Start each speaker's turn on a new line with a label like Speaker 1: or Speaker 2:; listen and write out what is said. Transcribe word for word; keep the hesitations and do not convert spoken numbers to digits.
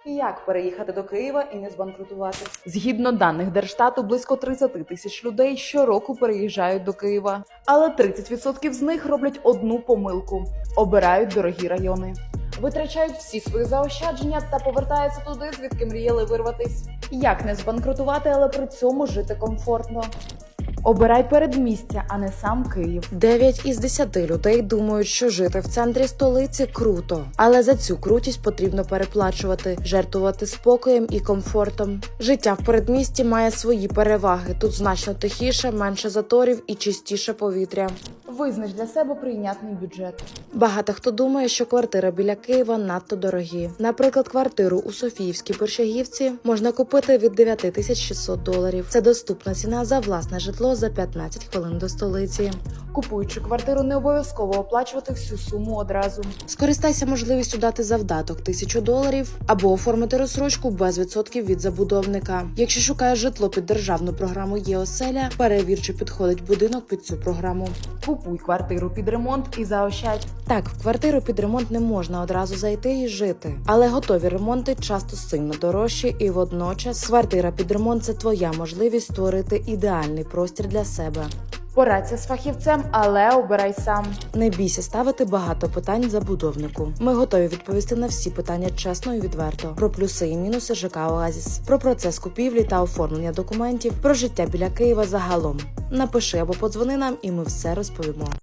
Speaker 1: Як переїхати до Києва і не збанкрутувати? Згідно даних Держстату, близько тридцять тисяч людей щороку переїжджають до Києва. Але тридцять відсотків з них роблять одну помилку – обирають дорогі райони. Витрачають всі свої заощадження та повертаються туди, звідки мріяли вирватись. Як не збанкрутувати, але при цьому жити комфортно? Обирай передмістя, а не сам Київ.
Speaker 2: дев'ять із десяти людей думають, що жити в центрі столиці круто. Але за цю крутість потрібно переплачувати, жертвувати спокоєм і комфортом. Життя в передмісті має свої переваги. Тут значно тихіше, менше заторів і чистіше повітря.
Speaker 1: Визнач для себе прийнятний бюджет.
Speaker 2: Багато хто думає, що квартири біля Києва надто дорогі. Наприклад, квартиру у Софіївській Борщагівці можна купити від дев'ять тисяч шістсот доларів. Це доступна ціна за власне житло за п'ятнадцять хвилин до столиці.
Speaker 1: Купуючи квартиру, не обов'язково оплачувати всю суму одразу.
Speaker 2: Скористайся можливістю дати завдаток тисячу доларів або оформити розсрочку без відсотків від забудовника. Якщо шукаєш житло під державну програму «Є-оселя», перевір, чи підходить будинок під цю програму.
Speaker 1: Купуй квартиру під ремонт і заощадь.
Speaker 2: Так, в квартиру під ремонт не можна одразу зайти і жити. Але готові ремонти часто сильно дорожчі, і водночас квартира під ремонт – це твоя можливість створити ідеальний простір для себе.
Speaker 1: Порадься з фахівцем, але обирай сам.
Speaker 2: Не бійся ставити багато питань забудовнику. Ми готові відповісти на всі питання чесно і відверто. Про плюси і мінуси ЖК «Оазіс», про процес купівлі та оформлення документів, про життя біля Києва загалом. Напиши або подзвони нам, і ми все розповімо.